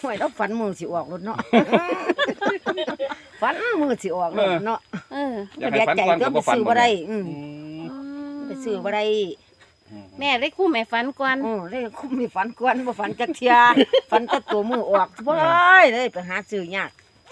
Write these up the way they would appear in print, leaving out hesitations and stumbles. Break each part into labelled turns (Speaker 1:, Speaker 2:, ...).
Speaker 1: ห่วยเราฝันมือสิออกรถเนาะ ฝันมือสิออกรถเนาะ
Speaker 2: อยาก
Speaker 1: ก็
Speaker 2: ให้ฝัน
Speaker 1: ใจ
Speaker 2: ก่อน
Speaker 1: ก็
Speaker 2: ก็
Speaker 1: ไป
Speaker 2: บ่ฝัน
Speaker 1: ซื้อบ่ได้ไปซื้อบ่ได้
Speaker 3: แม่ได้คู่แม่ฝันก่อน
Speaker 1: เลยคุ้มมีฝันกวนบ่ฝันจักเที่ย ฝันแต่ตัวมือออกบ่ได้เลยไปหาซื้อยาก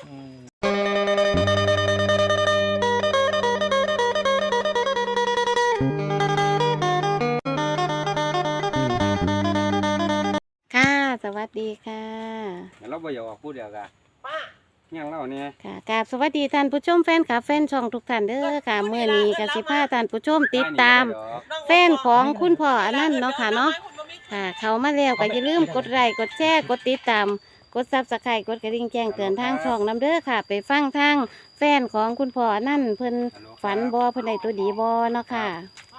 Speaker 3: ค่ะสวัสดีค่ะ
Speaker 2: เราบ่อยากออกพูดเดียวกันยังเล่าเนี่ย
Speaker 3: ค่ะกราบสวัสดีท่านผู้ชมแฟนคลับแฟนช่องทุกท่านเด้อค่ะเมื่อนี้กสิพาท่านผู้ชมติดตาม แฟนของคุณพ่ออนันต์เนาะค่ะเนาะค่ะ เขามาแล้วก็อย่าลืมกดไลค์กดแชร์กดติดตามกดซับสไครต์กดกระดิ่งแจ้งเตือนทางช่องน้ำเด้อค่ะ ไปฟังทางแฟนของคุณพ่ออนันต์เพิ่นฝันบ่เพิ่นได้ตัวดีบ่เนาะค่ะ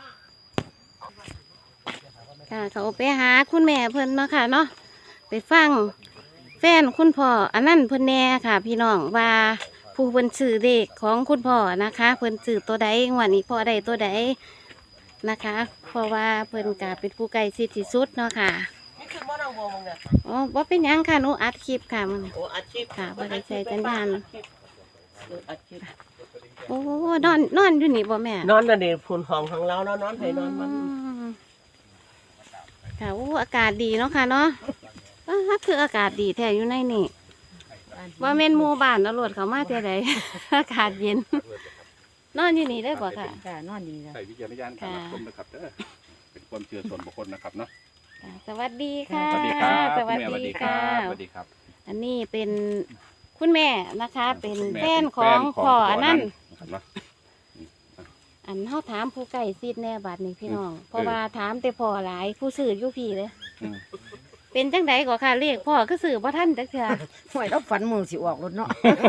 Speaker 3: ค่ะเขาไปหาคุณแม่เพิ่นเนาะค่ะเนาะไปฟังแฟนคุณพ่ออนันต์เพิ่นแน่ค่ะ พี่น้องว่าผู้เพิ่นซื้อเลขของคุณพ่อนะคะเพิ่นซื้อตัวใดงวดนี้พ่อได้ตัวใดนะคะ เพราะว่าเพิ่นก็เป็นผู้ใกล้ชิดที่สุดเนาะค่ะอ๋อบ่เป็นหยังค่ะหนูอัดคลิปค่ะมัน
Speaker 4: โอ้อาชีพ
Speaker 3: ค่ะบ่ได้ใช้สัญญาณ
Speaker 4: อาชีพ
Speaker 3: โอ้นอนอยู่นี่บ่แม่
Speaker 4: นอนกันเด็กฝุ่นห้องของเราแล้วนอนให้นอนมัน
Speaker 3: ค่ะโอ้อากาศดีเนาะค่ะเนาะคืออากาศดีแท้อยู่ในนี่ว่าแม่นหมู่บ้านตำรวจเขามาเท่าใด อากาศเย็น นอนอยู่นี่ได้บ่ค่ะ
Speaker 1: จ้านอนดีแล้ว
Speaker 2: ใส่วิจารณญาณการรับชมนะครับเด้อเป็นความเชื่อส่วนบุคคลนะครับเนาะ
Speaker 3: ค่ะสวัสดีค่ะ
Speaker 2: สวัสดีครับ
Speaker 3: สวัส
Speaker 2: แม่สวัส
Speaker 3: ดี
Speaker 2: ดีค
Speaker 3: ค่ะ
Speaker 2: รับสวัสดีครับ
Speaker 3: อันนี้เป็นคุณแม่นะคะ เป็น
Speaker 2: แม่
Speaker 3: แฟนของพ่ออันนั้น
Speaker 2: นะครับเนาะ
Speaker 3: อันเฮาถามผู้ใกล้ชิดแน่บัดนี้พี่น้อง เพราะว่าถามแต่พ่อหลายผู้ซื้ออยู่พี่เลย
Speaker 2: อืม
Speaker 3: เป็นจังไดก็ค่ะเรียกพ่อก็ซื้อบ่ทันจักเทื่อ
Speaker 1: ห่วยเราฝันมือสิออกรถเนาะ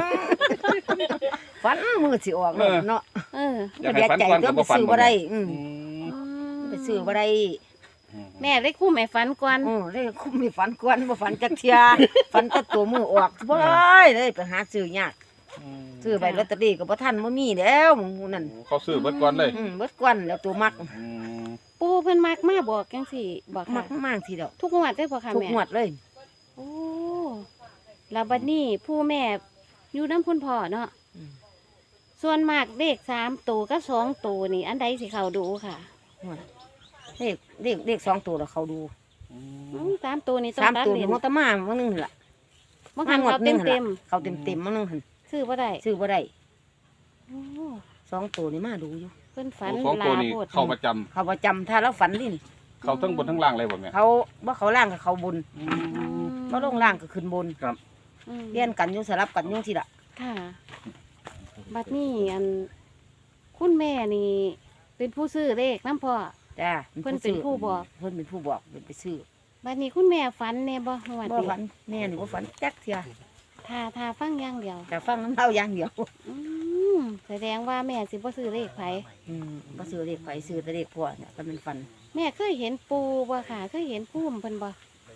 Speaker 1: ฝันมือสิออกรถเนาะ
Speaker 3: เออ
Speaker 2: อยาก
Speaker 1: ก็
Speaker 2: ให้ฝันก่อน
Speaker 1: ก็
Speaker 2: ก็
Speaker 1: ไป
Speaker 2: บ่ฝัน
Speaker 1: ซื้อบ่ได้ไปซื้อบ่ได้
Speaker 3: แม่ได้คู่แม่ฝันก่อน
Speaker 1: เลยคุ้มมีฝันกวนบ่ฝันจักเที่ย ฝันแต่ตัวมือออกบ่ได้เลยไปหาซื้อยากซื้อใบลอตเตอรี่ก็บ่ทันบ่มีแล้วหมู่นั่น
Speaker 2: เขาซื้อเบิดก่อนเลย
Speaker 1: เบิดกวนแล้วตัวมัก
Speaker 3: ปู่เพิ่นมักมาบอกจังซี่บอก
Speaker 1: มั
Speaker 3: ค่ะ
Speaker 1: กมากทีเดียว
Speaker 3: ทุกงวดได้บ่ค่ะ
Speaker 1: ทุก
Speaker 3: แม่
Speaker 1: งวดเลย
Speaker 3: โอ้แล้วบัดนี้ผู้แม่อยู่นำคุณพ่อเนาะส่วนมากเลข3ตัวกับ2ตัวนี่อันใดสิเข้าดูค่ะ
Speaker 1: เลข2ตัวแล้วเขาดู
Speaker 3: 3ตัวนี่ต้องตัด
Speaker 1: 3ตัว
Speaker 3: เล
Speaker 1: นี่
Speaker 3: น
Speaker 1: มันตะมามื้อนึงนั่นล่ะ
Speaker 3: บางครั้งเขาเต็ม
Speaker 1: เขาเต็มมื้อนึงหั่น
Speaker 3: ซื้อบ่ได้
Speaker 1: ซื้อบ่ได้
Speaker 3: โอ้
Speaker 1: 2ตัวนี่มาดูอยู่
Speaker 3: เพิ่นฝัน
Speaker 2: สอง
Speaker 3: ลา
Speaker 2: ตัวนี้
Speaker 3: โพด
Speaker 2: เข้าประจำ
Speaker 1: เขาบ่จำถ้าเราฝันนี่
Speaker 2: เขาทั้งบนทั้งล่างเลยบ่แม่
Speaker 1: เขาบ่เขาล่างกับเขาบนบ่ลงล่างก็ขึ้นบน
Speaker 3: อืม
Speaker 1: เลี่ยนกันอยู่สลับกันอยู่สิล่ะ
Speaker 3: ค่ะบัดนี้อันคุณแม่นี่ เป็นผู้ซื้อเลขน้ำพ่อ
Speaker 1: จ้า
Speaker 3: เพิ่นเป็นผู้บอก
Speaker 1: เพิ่นเป็นผู้บอกเป็นไปซื้อ
Speaker 3: บัดนี้คุณแม่ฝันแน่บ่ฮวด
Speaker 1: บ่
Speaker 3: นี้
Speaker 1: ฝันแม่นี่บ่ฝันจักเที่ย
Speaker 3: ถ้าฟังอย่างเดียว
Speaker 1: แต่ฟังน้ำเล่าอย่างเดียว
Speaker 3: อืมแสดงว่าแม่สิบ่ซื้อเลขไผ
Speaker 1: บ่ซื้อเลขไผซื้อแต่เลขพ่อเนี่ยก็เป็นฝัน
Speaker 3: แม่เคยเห็นปูบ่ค่ะเคยเห็นพุ่มเพิ่นบ่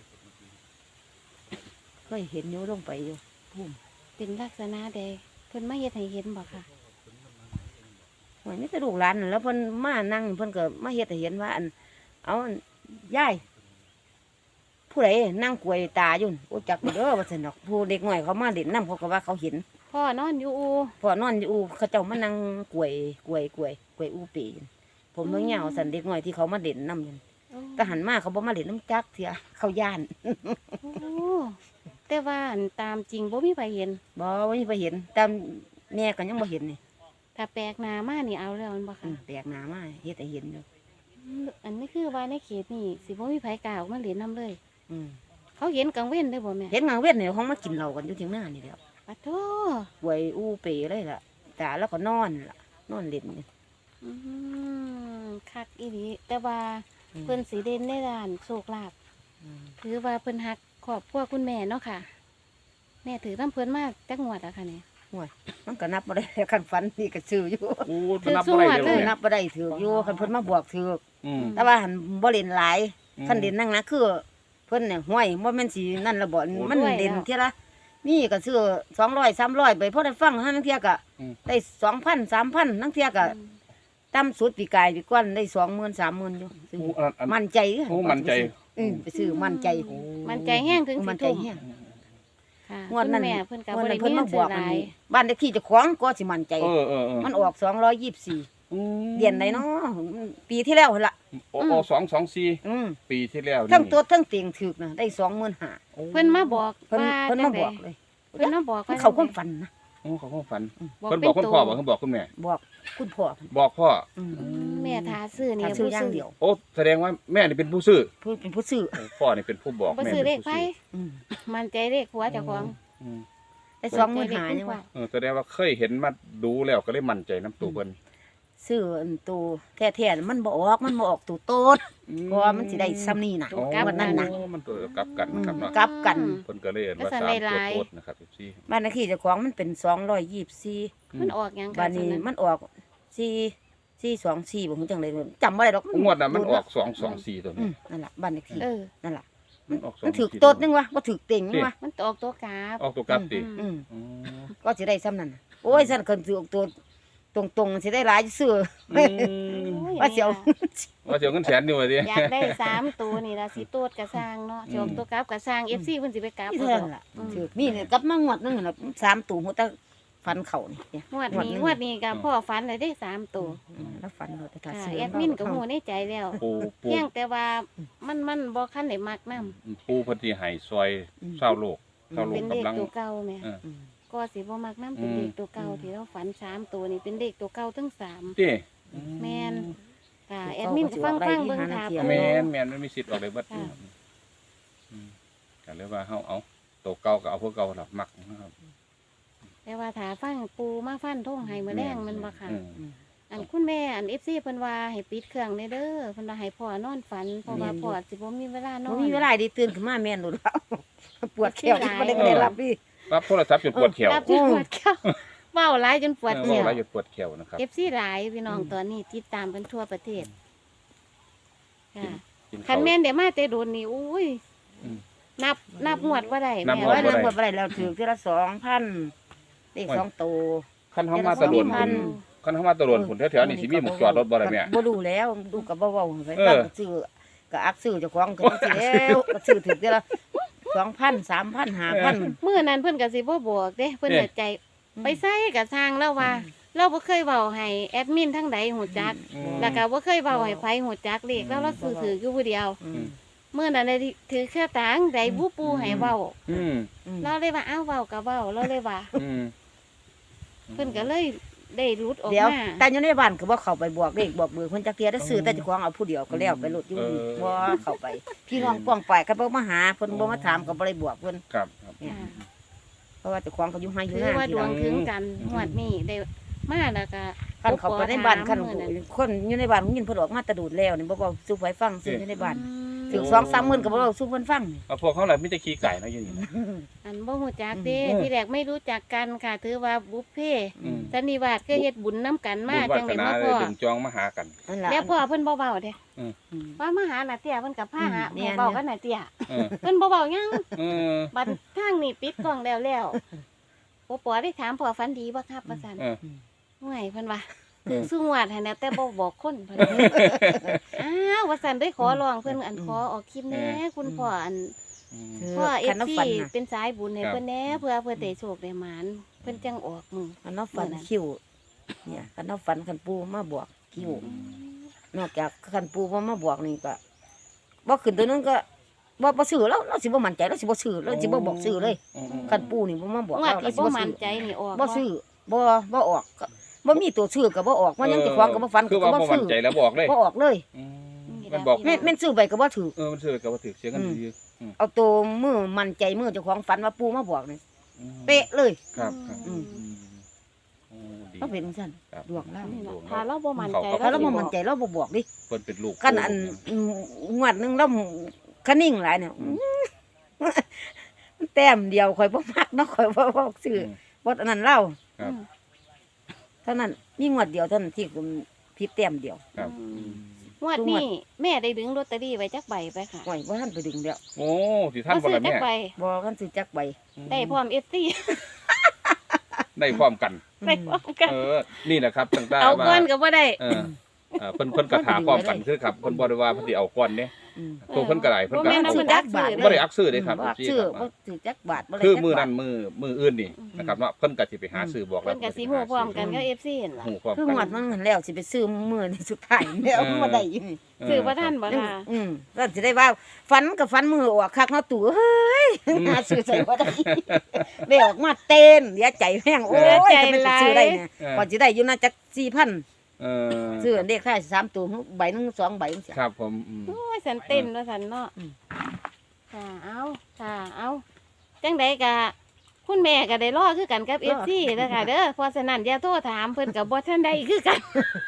Speaker 1: เคยเห็นอยู่ลงไปอยู่พุ่ม
Speaker 3: เป็นลักษณะใดเพิ่นมาเฮ็ดให้เห็นบ่ค่ะ
Speaker 1: หวยมีแต่ลูกหลานนั่นแล้วเพิ่นมานั่งเพิ่นก็มาเฮ็ดให้เห็นว่าอันเอาอันยายผู้ใดนั่งกล้วยตาอยู่โอ้จักเด้อว่าซั่นดอกผู้เด็กน้อยเขามาเล่นน้ำเขาก็ว่าเขาเห็น
Speaker 3: พ่อนอนอยู่อู
Speaker 1: พ่อนอนอยู่อูเขาเจ้ามานั่งกล้วยอูปีนผมน้องเหยาวสันเด็กน้อยที่เขามาเล่นน้ำนั่นแต่หันมาเขาบ่มาเล่นน้ำจักเถียเขาย่าน
Speaker 3: โอ้แต่ว่าอันตามจริงบ่มีไผเห็น
Speaker 1: บ่มีไปเห็นแต่แม่ก็ยังบ่เห็นนี่
Speaker 3: ถ้าแปลกหน้ามานี่เอาแล้วแม่นบ่ค่ะ
Speaker 1: แปลกหน้ามาเฮ็ดให้เห็นอยู่
Speaker 3: อันนี้คือว่าในเขตนี่สิบ่มีไผกล้าออกมาเล่นน้ำเลย
Speaker 1: อืม
Speaker 3: เขาเห็นกลางเว้นได้บ่แม่
Speaker 1: เห็นงางเวียนนี่เขามากินเหล้ากันอยู่เที่ยงหน้านี่แหล้ว
Speaker 3: ปะโถ
Speaker 1: กล้วยอูเปเลยล่ะตาแล้วก็นอนล่ะนอนเล่นอยู่
Speaker 3: อืมคักอีหลีแต่ว่าเพิ่นสิเด่นในด้านโชคลาภ
Speaker 1: อืม
Speaker 3: ถือว่าเพิ่นฮักครอบครัวคุณแม่เนาะค่ะ แม่ถือน้ำเพิ่นมาจักงวดอะค่ะเนี่ย
Speaker 1: มันก็นับบ่ได้แล้วคันฝันนี่ก็ซื้ออยู่
Speaker 2: โอ้มันนับบ่ได้เลย
Speaker 1: นับบ่ได้ถืออยู่คันเพิ่นมาบวกถือ
Speaker 2: อืม
Speaker 1: แต่ว่าหันบ่เล่นหลายคันเล่นนั่งนะคือ เพิ่นเนี่ยห้วยบ่แม่นสินั่นละบ่มันเล่นเท่าละนี่ก็ซื้อ200 300ไปพอได้ฟังหันเที่ยก็ได้ 2,000 3,000ทั้งเที่ยก็ต่ำสุดปีกายปีก่อนได้ 20,000 30,000อยู่ซื้อ
Speaker 2: โอ้อัน
Speaker 1: มั่นใจ
Speaker 2: โอ้มั่นใจ
Speaker 1: ไปซื้อมั่นใจ
Speaker 3: มันใจแห้งถึง
Speaker 1: มั่
Speaker 3: สิ
Speaker 1: นใจ
Speaker 3: ทุ่ม
Speaker 1: แฮง
Speaker 3: ค่ะ
Speaker 1: งวดนั้น
Speaker 3: คุณแม่เพิ่นก็
Speaker 1: งว
Speaker 3: บ่
Speaker 1: ด
Speaker 3: ได้
Speaker 1: นั้นเพิ่น
Speaker 3: มี
Speaker 1: มา
Speaker 3: เงิน
Speaker 1: บ
Speaker 3: ซื้
Speaker 1: อ
Speaker 3: อก ห
Speaker 1: อัน
Speaker 3: ลาย
Speaker 1: นี้บ้านเลขที่เจ้าของก็สิมั่นใจ มันออก224เดือนไหนเนาะปีที่แล้วหั่นล่ะ
Speaker 2: โอ้224
Speaker 1: อืม
Speaker 2: ปีที่แล้วนี่
Speaker 1: ทั้งตัวทั้งเตียงถึกนะได้25,000
Speaker 3: เพิ่นมาบอก
Speaker 1: เพิ่น
Speaker 3: ว่า
Speaker 1: เพิ่นมาบอก
Speaker 3: จังใด
Speaker 1: เลย
Speaker 3: เพิ่นมาบอก
Speaker 1: มัน
Speaker 3: ว่า
Speaker 1: เขาความฝันนะ
Speaker 2: โอ้เขาก็ฝัน
Speaker 3: บอก
Speaker 2: เพิ่น
Speaker 3: เป็
Speaker 2: บอน กคุณ
Speaker 3: ตัว
Speaker 2: พ่อบอกเพิ่นบอกคุณแม่
Speaker 1: บอกคุณพ่อ
Speaker 2: บอกพ่อ
Speaker 1: อืม
Speaker 3: แม่ทาซื้อนี่
Speaker 1: ถ้าซื้ออย่างเดียว
Speaker 2: โอ้แสดงว่าแม่นี่เป็นผู้ซื้อ
Speaker 1: เพิ่นเป็นผู้ซื้อ
Speaker 2: โอ้พ่อนี่เป็นผู้บอก
Speaker 3: บ่
Speaker 2: แม่
Speaker 3: ซื้อเล
Speaker 2: เป็น
Speaker 3: ข
Speaker 2: ผู้
Speaker 3: ไป
Speaker 2: ซื้อ
Speaker 1: อืม
Speaker 3: มันใจเลขผัวเจ้าของ
Speaker 2: อืม
Speaker 1: ได้25,000ยังว่า
Speaker 2: แสดงว่าเคยเห็นมาดูแล้วก็เลยมั่นใจน้ำตัวเพิ่น
Speaker 1: ซื้ออันตัวแท้ๆมันบ่ออกตัวโตดเพราะว่ามันสิได้ซ้ำนี่น่ะ
Speaker 3: ตัวกลับ
Speaker 1: วันนั้นน่ะ
Speaker 2: โอ้มันตัวกลับกันนะครับเนาะ
Speaker 1: กลับกัน
Speaker 2: เพิ่นก็เลยเห็นว่า
Speaker 3: ก็สั่น
Speaker 2: 3
Speaker 3: ได้ห
Speaker 2: ตัว
Speaker 3: ลาย
Speaker 2: โคตรนะครับพี่
Speaker 1: บ้านเลขที่เจ้าของมันเป็น224
Speaker 3: มันออกหยัง
Speaker 1: บ้า
Speaker 3: ค่ะ
Speaker 1: นนี้
Speaker 3: ซั่น
Speaker 1: มันออก424บ่ฮู้จังได๋จำบ่ได้ดอก
Speaker 2: งวดน่ะมันออก224ตัว
Speaker 1: อื
Speaker 2: นี้
Speaker 1: มนั่นล่ะบ้านเลขที่
Speaker 3: เออ
Speaker 1: นั่นล่ะ
Speaker 2: มันออก
Speaker 1: มันถึก
Speaker 2: 224
Speaker 1: โตดนึงวะบ่ถึกเต็งนึงวะ
Speaker 3: มันออกตัวกราฟ
Speaker 2: ออกตัวกลับติ
Speaker 1: อืม
Speaker 2: อ๋อ
Speaker 1: ก็สิได้ซ้ำนั่นน่ะโอ้ยซั่นคันถือตัวตรงๆสิได้หลายซื่อ
Speaker 2: อืม
Speaker 3: โอ้ย
Speaker 1: ว่าสิเอา
Speaker 2: ว่าสิเอาเงินแสนอยู่ว่าติ
Speaker 3: อยากได้3ตัวนี่ล่ะสิโตดกระสร้างเนาะสิออกตัวกราฟกระสร้าง FC เพิ่นสิไปกราฟ
Speaker 1: ที่
Speaker 3: บ่
Speaker 1: เท่า
Speaker 3: ด
Speaker 1: นั้
Speaker 3: อก
Speaker 1: นล่ะถือนี่เนี่ยกลับมางวดนึงน่ะ3ตัวหัวตะฟันเข่านี่เนี่ย
Speaker 3: งวดนี้งวดนี้ก็พ่อฝันเลยได้3ตัว
Speaker 1: แล้วฟันเราแต่ถ้า
Speaker 3: ค่ะ
Speaker 1: ซื้อ
Speaker 3: แอดมินก็ฮู้ในใจแล้ว
Speaker 2: ปู
Speaker 3: เพียงแต่ว่ามันบ่คันได้มักนำ
Speaker 2: ปูเพิ่นสิให้ซอยชาวโลกชาวโล
Speaker 3: เป็
Speaker 2: ก
Speaker 3: นเลข
Speaker 2: กำลัง
Speaker 3: ตัวเก่าแม่
Speaker 2: เออ
Speaker 1: อืม
Speaker 3: ก็สิบ่มักนำเป็นเลขตัวเก่าที่เราฝัน3ตัวนี่เป็นเลขตัวเก่าทั้ง3
Speaker 2: ติ
Speaker 3: แม่น ค่ะแอดมินก็ฟังเบิ่งถาม
Speaker 2: แม่นมันมีสิทธิ์ออกได้เบิด
Speaker 3: ค่ะ
Speaker 2: ก็เลยว่าเฮาเอาตัวเก่าก็เอาพวกเก่าล่ะมักนะครับ
Speaker 3: แต่ว่าถ้าฟังปูมาฟันท่งให้มื้อแรงมันบ่ค่ะ
Speaker 2: อืม
Speaker 3: อันคุณแม่อัน FC เพิ่นว่าให้ปิดเครื่องเด้อเพิ่นว่าให้พ่อนอนฝันเพราะว่าพ่อสิบ่มีเวลานอ
Speaker 1: บ่
Speaker 3: น
Speaker 1: มีเวลาได้ตื่นขึ้นมาแม่นโดดแล้วปวดแขวบ่ได้รับดิ
Speaker 2: รับโทรศัพท์จนปวดแขว
Speaker 3: รับจนปวดแขวเว้าหลายจนปวดแข
Speaker 2: เออ
Speaker 3: ว
Speaker 2: ว่าหยุดปวดแขวนะครับ
Speaker 3: FC หลายพี่น้องตอนนี้ติดตามกันทั่วประเทศค่ะ
Speaker 2: กิน
Speaker 3: คั
Speaker 2: ข้าน ว
Speaker 3: แม่นได้มาแต่โดนนี่อุ้ย
Speaker 2: อืม
Speaker 3: นับงวดบ่ได้
Speaker 2: นับ
Speaker 3: แม่
Speaker 2: งว
Speaker 3: ว่า
Speaker 2: ด
Speaker 1: ว่าบ่ได้แล้วถือทีละ2,000เลข2ตัว
Speaker 2: คันเฮามาตะโดน
Speaker 1: พั
Speaker 2: พุ่นคันเฮามาตะโดนพุ่นแถวๆนี่สิมีหมุกจอดรถบ่ได้แม่
Speaker 1: บ่รู้แล้วดูก็บ่เว้าไป
Speaker 2: เออ
Speaker 1: ฟังก็ซื้อก็อักซื้อเจ้าของก็สิแล้วก็ซื้อถึงทีละ2,000 3,000 5,000
Speaker 3: มื้อนั้นเพิ่นก็สิบ่บอกเด้เพิ่นก็ใจไปใส่ก็สร้างแล้วว่า เราบ่เคยเว้าให้แอดมินทั้งใดฮู้จัก
Speaker 2: อืม
Speaker 3: แล้วก็บ่เคยเว้าให้ไผฮู้จักเลขแล้วเราซื้อถืออยู่ผู้เดียว
Speaker 1: อืม
Speaker 3: มื้อนั้นได้ถือแค่ตังได้บูปูให้เว้า
Speaker 2: อืม
Speaker 3: เราเลยว่าอ้าวเว้าก็เว้าเราเลยว่า
Speaker 2: อืม
Speaker 3: เพิ่นก็เลยได้รุดออก
Speaker 1: เดี๋ยว
Speaker 3: มา
Speaker 1: แต่อยู่ในบ้านก็บ่เข้าไปบอกเลขบอกเบอร์เพิ่นจักเที่ยได้ซื้อแต่เจ้าของเอาผู้เดียวก็แล้วไปรถอยู่นี่บ่เข้าไป พี่น้องป้องไปก็บ่มาหาเพิ่นบ่มาถามก็บ่ได้บอกเพิ่น
Speaker 2: ครับครับ
Speaker 3: ค่ะ
Speaker 1: เพราะว่าเจ้าของก็อยู่ให้อยู่
Speaker 3: ถือ
Speaker 1: หน้า
Speaker 3: ว่า
Speaker 1: ที่
Speaker 3: ดว
Speaker 1: หลั
Speaker 3: ง
Speaker 1: ง
Speaker 3: ถึงกันงวดนี้ได้มาแล้วก็
Speaker 1: คันเขาไปในบ้านคัน
Speaker 3: มื้อนั้น
Speaker 1: คนอยู่ในบ้านยินเพิ่นออกมาแตะดูดแล้วนี่บ่เว้าสู่ไฟฟังซื้ออยู่ในบ้าน
Speaker 3: อืม
Speaker 1: ถึง2-3หมื่นก็บ่เว้าสู่เพิ่นฟังนี่
Speaker 2: เอาพวกเขาแหละมีแต่ขี้ไก่เนาะอยู่นี่นะ
Speaker 3: อันบ่ฮู้จักเด้
Speaker 2: อืม
Speaker 3: ที่แรกไม่รู้จักกันค่ะ ถือว่าบุฟเฟ่ต์
Speaker 2: อืม
Speaker 3: สันนิวาสเคยเฮ็ดบุญนํกันมา
Speaker 2: บุญวา
Speaker 3: จัง
Speaker 2: ส
Speaker 3: ได๋
Speaker 2: นา
Speaker 3: มา
Speaker 2: เล
Speaker 3: พ่
Speaker 2: ย
Speaker 3: อ
Speaker 2: ดึงจองมาหากัน
Speaker 1: นั่นล่ะ
Speaker 3: แล้วพ่อเพิ่นบ่เว้าเด้
Speaker 1: อืม
Speaker 3: ว่ามาหาน่ะเตี้ยเพิ่นก็พาหา
Speaker 1: เนี่ย
Speaker 3: เว้ากันน่ะเตี้ย
Speaker 2: เออ
Speaker 3: เพิ่นบ่เว้าหยัง
Speaker 2: เออ
Speaker 3: บัดทางนี้ปิดกล้องแล้วโอปอได้ถามพ่อฝันดีบ่ครับว่าซั่น
Speaker 2: เออ
Speaker 3: ห่วยเพิ่นว่าถึงสุงวดให้แน่แต่บ่บอกคนเพิ่นอ้าวว่าซั่นได้ขอร้องเพิ่นอันขอออกคลิปแหน่คุณพ่ออัน
Speaker 2: อืม
Speaker 1: คือ
Speaker 3: พ่อ
Speaker 1: คันน้ำ
Speaker 3: FC
Speaker 1: ฝันน่ะ
Speaker 3: เป็นสายบุญให้
Speaker 2: ครับ
Speaker 3: เพิ่นแหน่เพื่อได้โชคได้หมานเพิ่นจังออกมือ
Speaker 1: คันน้ำฝันคิวเนี่ยคันน้ำฝันคันปูมาบอกคิวนอกจากคันปูบ่มาบอกนี่ก็บ่ขึ้นตัวนึงก็บ่ซื้อแล้วเราสิบ่มั่นใจเราสิบ่ซื้อเราสิบ่บอกซื้อเลย
Speaker 2: อืม
Speaker 1: คันปูนี่บ่มาบอก
Speaker 3: งวด
Speaker 1: เรา
Speaker 3: ที่
Speaker 1: สิ
Speaker 3: บ่
Speaker 1: บ่
Speaker 3: มั่
Speaker 1: ซื้
Speaker 3: น
Speaker 1: อ
Speaker 3: ใจนี่ออก
Speaker 1: บ่ซื้อบ่ออกก็บ่มีตัวซื้อก็บ่ออกมันยังเจะควงก็บ่ฟัน
Speaker 2: คือ
Speaker 1: ก็
Speaker 2: ว่า
Speaker 1: บ่
Speaker 2: บ่มั่
Speaker 1: ซื้
Speaker 2: น
Speaker 1: อ
Speaker 2: ใจแล้วบอกเลย
Speaker 1: บ่ออกเลย
Speaker 2: อืมมันบอก
Speaker 1: แม่นซื้อไปก็บ่ถือ
Speaker 2: มันซื้อกับว่าถือเสียกันดี
Speaker 1: เอาตัวมือมั่นใจมือเจ้าของฝันว่าปูมาบอกนี่
Speaker 2: อืม
Speaker 1: เป๊ะเลย
Speaker 2: ครับครับ
Speaker 1: อืม
Speaker 2: โอ้ดี
Speaker 1: ก็เป็นซั่น
Speaker 2: ครับ
Speaker 1: ดวงเรา
Speaker 3: นี่ล่ะถ้าเราบ่มั่นใจ
Speaker 1: ถ้าเราบ่
Speaker 3: สิ
Speaker 1: มั่นใจเราบ่บอกดิ
Speaker 2: เพิ่นเป็นลูก
Speaker 1: คันอันงวดหนึงเราคันนิ่งหลายเนี่ยมันแต้มเดียวข่อยบ่มักเนาะข่อยบ่บอกซื้อบ่อันนั้นเล่า
Speaker 2: ครับ
Speaker 1: เท่านั้นมีงวดเดียวเท่านั้นที่ผมผิดแต้มเดียว
Speaker 2: ครับ
Speaker 3: งวดนี้แม่ได้ดึงลอตเตอรี่ไว้จักใบไปค่ะ
Speaker 1: ข่อยบ่ทันไปดึงแล้ว
Speaker 2: โอ้สิท่านบ่
Speaker 3: ซื้อ
Speaker 2: ล่ะ
Speaker 3: จั
Speaker 2: แม่
Speaker 3: กใบ
Speaker 1: บ่ทันสิจักใบ
Speaker 3: ได้พร้อม FC
Speaker 2: ได้พร้อมกัน
Speaker 3: ได้พร้อมกัน
Speaker 2: นี่แหละครับตั้งแต่
Speaker 3: เอา
Speaker 2: ว่า
Speaker 3: ก้อนก็บ่ได้
Speaker 2: เพิ่นกระถาพร้อมกันคือครับเพิ่นบ่ได้ว่าเพิ่นสิเอาก้อนเด้ตัวเพิ่นก็ได้เพิ่น
Speaker 3: บ่
Speaker 2: ก็
Speaker 3: แม่นเอาเพิ่นอักซื้อ
Speaker 2: บ่ได้อักซื้อเด้ครับ
Speaker 1: บ่ซื้อบ่ถือจักบาทบ่ได้
Speaker 2: คือ
Speaker 1: จัก
Speaker 2: มือบ
Speaker 1: า
Speaker 2: นั้
Speaker 1: ท
Speaker 2: นมืออื่นนี่นะครับเนาะเพิ่นก็สิไปหาซื้อบอกแล้
Speaker 3: เพิ่
Speaker 2: วน
Speaker 3: ก็สิฮู้พร้อมกันกับ FC นั่นล่ะ
Speaker 2: ฮู้พร้อม
Speaker 1: คือ
Speaker 2: กั
Speaker 1: หวดมันเงินแล้วสิไปซื้อมื้อนี่สุดท้ายแล้วบ่ได้อยู่นี่
Speaker 3: ซื้อบ่ทันบ่ล่ะ
Speaker 1: แล้วสิได้ว่าฝันกับฝันมือออกคักเนาะตู่เฮ้ยหาซื้อใส่บ่ได้ได้ออกมาเต้นเสียใจแพงโอ้ยจะไปซื้อได้เนี่ยก่อนสิได้อยู่น่าจัก 4,000 ซื้อเลขท้าย3ตัวใบหนึง2ใบจังซี่
Speaker 2: ครับผม
Speaker 3: โอ้ยสันเต้นว่าสันเนาะ
Speaker 1: อืม
Speaker 3: ค่ะเอาจังใดกะคุณแม่ก็ได้รอคือกันกับ FC เด้อค่ะเด้อเพราะฉะนั้นอย่าโทรถามเพิ่นก็บ่ทันได้คือกัน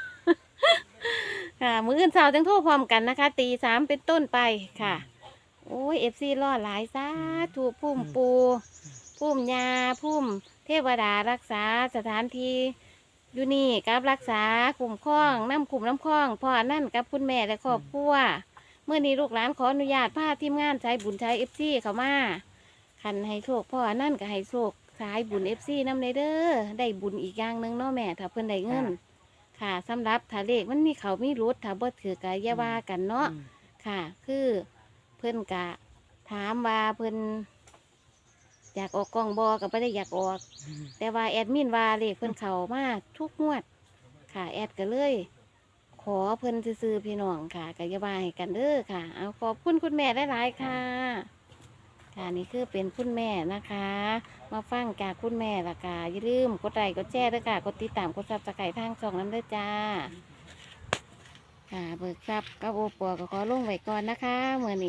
Speaker 3: ค่ะมื้ออื่นเช้าจังโทรพร้อมกันนะคะ ตี 3เป็นต้นไปค่ะ โอ้ย FC รอหลายสาธุพุ่มปูพุ่มยาพุ่มเทวดารักษาสถานที่อยู่นี่กับรักษาคุ้มครองน้ำคุ้มน้ำครองพ่อนั่นกับคุณแม่และครอบครัวเมื่อนี้ลูกหลานขออนุญาตพาทีมงานใช้บุญใช้ FC เข้ามาคันให้โชคพ่อนั่นก็ให้โชคสายบุญ FC นำเลยเด้อได้บุญอีกอย่างหนึงเนาะแม่ถ้าเพิ่นได้เงินค่ะสำหรับถ้าเลขมันมีเขามีรุดถ้าบ่ถือกะอย่าว่ากันเนาะ ค่ะ คือเพิ่นกะถามว่าเพิ่นอยากออกกองบอก็ไม่ได้อยากออก แต่ว่าแอดมินว่าเลขเพิ่นเข้ามาทุกงวด ค่ะ แอดก็เลย ขอเพิ่นซื้อๆพี่น้องค่ะก็อย่าว่าให้กันเด้อค่ะ เอาขอบคุณคุณแม่หลายๆค่ะ ค่ะนี่คือเป็นคุณแม่นะคะ มาฟังจากคุณแม่ละค่ะอย่าลืมกดไลค์กดแชร์ด้วยค่ะกดติดตามกดซับสไครต์ทางช่องนั้นด้วยจ้า ค่ะเบิกทรัพย์กับโอปัวก็ขอลงไว้ก่อนนะคะเมื่อนี้